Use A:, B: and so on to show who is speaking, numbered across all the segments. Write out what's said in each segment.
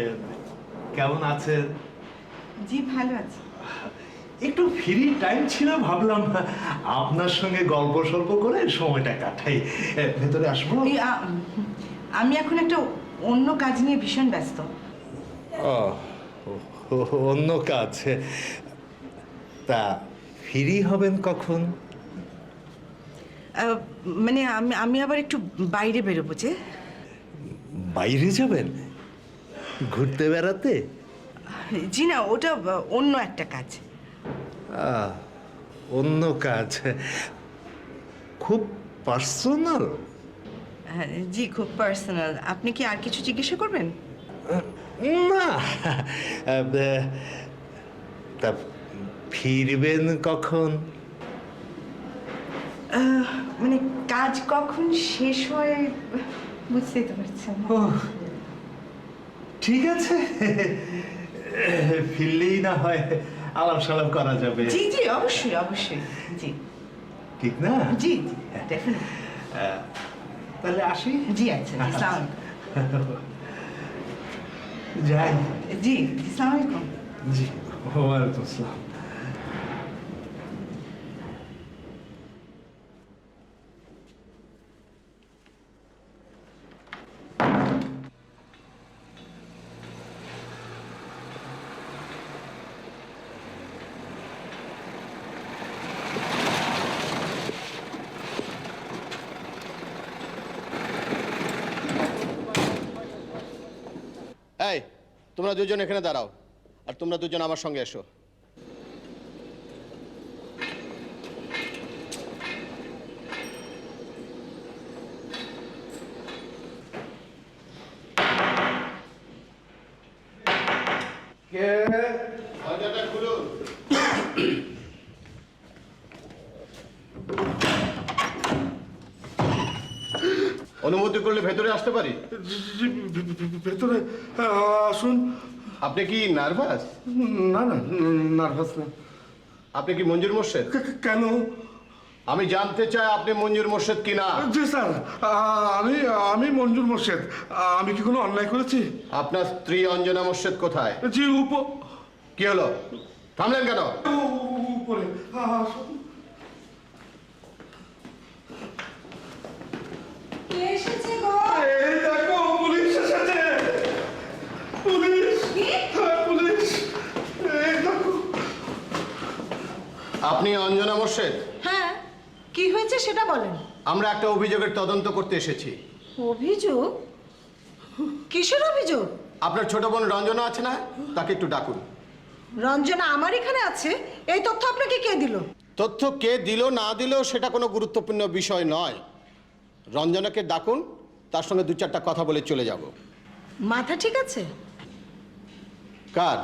A: কেমন আছেন?
B: জি ভালো আছি।
A: একটু ফ্রি টাইম ছিল, ভাবলাম আপনার সঙ্গে গল্প সল্প করে সময়টা কাটাই। ভেতরে আসবো?
B: আমি এখন একটা অন্য কাজ নিয়ে ভীষণ ব্যস্ত।
A: অন্য কাজ? তা ফ্রি হবেন কখন?
B: মানে আমি আবার একটু বাইরে বেরোবো। যে
A: বাইরে যাবেন? ঘুরতে বেড়াতে?
B: জি না, ওটা অন্য একটা কাজ।
A: অন্য কাজ? খুব পার্সোনাল?
B: জি খুব পার্সোনাল। আপনি কি আর কিছু জিজ্ঞাসা করবেন?
A: না, তা ফিরবেন কখন?
B: মানে কাজ কখন শেষ হয় বুঝতেই তো পারছেন।
A: ঠিক আছে, ফিরলেই না হয় আলাপ সালাপ করা যাবে।
B: জি জি অবশ্যই অবশ্যই। জি
A: ঠিক না?
B: জি জি ডেফিনেটলি।
A: তাহলে আসি।
B: জি আচ্ছা, আসসালামু
A: যাই।
B: আলাইকুম। জি আসসালামু আলাইকুম।
A: জি ওয়ালাইকুম আসসালাম।
C: এই, তোমরা দুজন এখানে দাঁড়াও, আর তোমরা দুজন আমার সঙ্গে এসো। দরজাটা খুলুন। অনুমতি করলে ভেতরে আসতে পারি?
D: ভেতরে আসুন।
C: আপনি কি নার্ভাস?
D: না না, নার্ভাস না।
C: আপনি কি মঞ্জুর মোর্শেদ?
D: কেন?
C: আমি জানতে চাই আপনি মঞ্জুর মোর্শেদ কিনা।
D: জি স্যার, আমি আমি মঞ্জুর মোর্শেদ। আমি কি কোনো অন্যায় করেছি?
C: আপনার স্ত্রী অঞ্জনা মোর্শেদ কোথায়?
D: জি
C: কি হলো, থামলেন কেন?
D: উপরে আসুন।
B: কে এসেছে গো?
D: এই দেখো, পুলিশ এসেছে। পুলিশ, হ্যাঁ পুলিশ। এই দেখো।
C: আপনি অঞ্জনা মোর্শেদ?
E: হ্যাঁ, কি হয়েছে সেটা বলেন।
C: আমরা একটা অভিযোগের তদন্ত করতে এসেছি।
E: অভিযোগ? কিসের অভিযোগ?
C: আপনার ছোট বোন রঞ্জনা আছে না, তাকে একটু ডাকুন।
E: রঞ্জনা আমার এখানে আছে, এই তথ্য আপনাকে কে দিল?
C: তথ্য কে দিল না দিল সেটা কোনো গুরুত্বপূর্ণ বিষয় নয়। রঞ্জনাকে ডাকুন, তার সঙ্গে দু চারটা কথা বলে চলে যাব।
E: মাথা ঠিক আছে?
C: কার?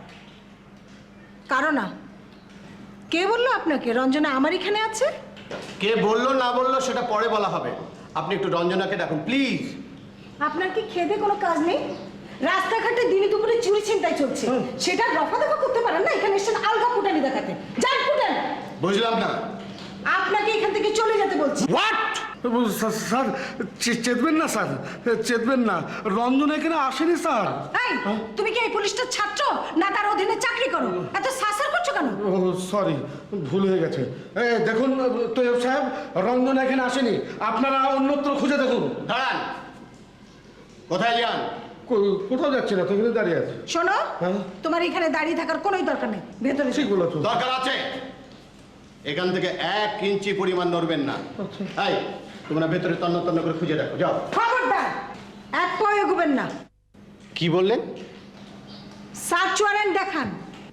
E: কারো না। কে বললো আপনাকে রঞ্জনা আমার এখানে আছে?
C: কে বললো না বললো সেটা পরে বলা হবে। আপনি একটু রঞ্জনাকে ডাকুন প্লিজ।
E: আপনার কি খেদে কোনো কাজ নেই? রাস্তাঘাটে দিনে দুপুরে চুরি ছিনতাই চলছে, সেটা রফা দফা করতে পারেন না? এখানে এসেছেন আলগা ফুটানি দেখাতে। যান ফুটান।
C: বুঝলাম না।
E: আপনাকে এখান থেকে চলে যেতে বলছি।
C: হোয়াট?
D: স্যার চেতবেন না স্যার, চেতবেন না। রঞ্জন এখানে আসেনি স্যার।
E: এই, তুমি কি এই পুলিশটার ছাত্র না তার অধীনে চাকরি করো? এত সাসার করছো কেন?
D: ও সরি, ভুল হয়ে গেছে। দেখুন তৈয়ব সাহেব, রঞ্জন এখানে আসেনি। আপনারা অন্যত্র খুঁজে দেখুন।
C: দাঁড়ান, কোথায় যান?
D: কোথাও যাচ্ছে না তো, এখানে দাঁড়িয়ে আছে।
E: শোনো,
D: হ্যাঁ?
E: তোমার এখানে দাঁড়িয়ে থাকার কোনোই দরকার নেই। ভেতরে
D: ঠিক বলেছো।
C: দরকার আছে। এখান থেকে 1 ইঞ্চি পরিমাণ নড়বেন না। এই, তোমরা ভেতরে তন্ন তন্ন করে খুঁজে দেখো, যাও।
E: খবরদার, এক পাও এগোবেন না।
C: কি বললেন?
E: সার্চ ওয়ারেন্ট দেখান।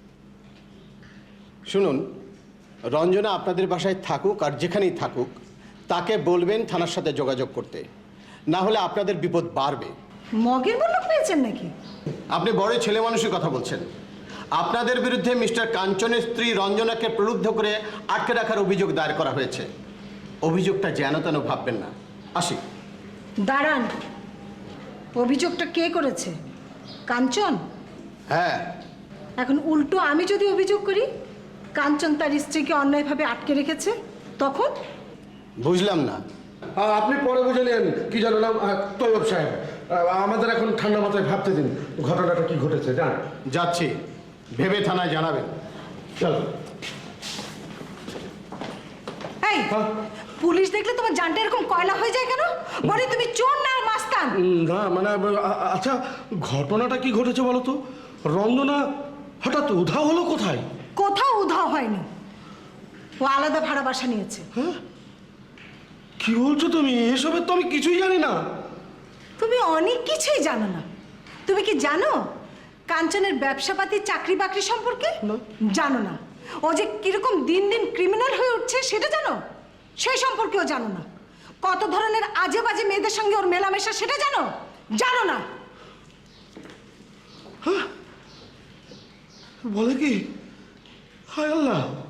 C: শুনুন, রঞ্জনা আপনাদের বাসায় থাকুক আর যেখানেই থাকুক, তাকে বলবেন থানার সাথে যোগাযোগ করতে, না হলে আপনাদের বিপদ বাড়বে।
E: মগের বলক পেয়েছেন নাকি?
C: আপনি বড় ছেলে মানুষের কথা বলছেন। আপনাদের বিরুদ্ধে মিস্টার কাঞ্চনের স্ত্রী রঞ্জনাকে প্রলুব্ধ করে আটকে রাখার অভিযোগ দায়ের করা হয়েছে। অভিযোগটা যেন তেন ভাববেন না। আসি।
E: দাঁড়ান, অভিযোগটা কে করেছে? কাঞ্চন?
C: হ্যাঁ।
E: এখন উল্টো আমি যদি অভিযোগ করি কাঞ্চন তার স্ত্রীকে অন্যায়ভাবে আটকে রেখেছে, তখন?
C: বুঝলাম না।
D: আপনি পরে বুঝে নেন কি জানো না তৈয়ব সাহেব, আমাদের এখন ঠান্ডা মাথায় ভাবতে দিন ঘটনাটা কি ঘটেছে জান।
C: যাচ্ছি, ভেবে থানায় জানাবেন।
D: চলো।
E: এই
D: হ্যাঁ?
E: পুলিশ দেখলে তোমার জানটা এরকম কয়লা হয়ে যায় কেন? বলে তুমি চোর না মাস্তান?
D: না মানে আচ্ছা ঘটনাটা কি ঘটেছে বলো তো? রঞ্জনা হঠাৎ উধাও হলো কোথায়?
E: কোথাও উধাও হয়নি, ও আলাদা ভাড়া বাসা নিয়েছে।
D: কি বলছো তুমি? এসবের তো আমি কিছুই জানি না।
E: তুমি অনেক কিছুই জানো না। তুমি কি জানো কাঞ্চনের ব্যবসাপাতি চাকরি বাকরি সম্পর্কে? জানো না। ও যে কিরকম দিন দিন ক্রিমিনাল হয়ে উঠছে সেটা জানো? সেই সম্পর্কেও জানো না। কত ধরনের আজে বাজে মেয়েদের সঙ্গে ওর মেলামেশা সেটা জানো? জানো না।
D: বলে কি? হায় আল্লাহ,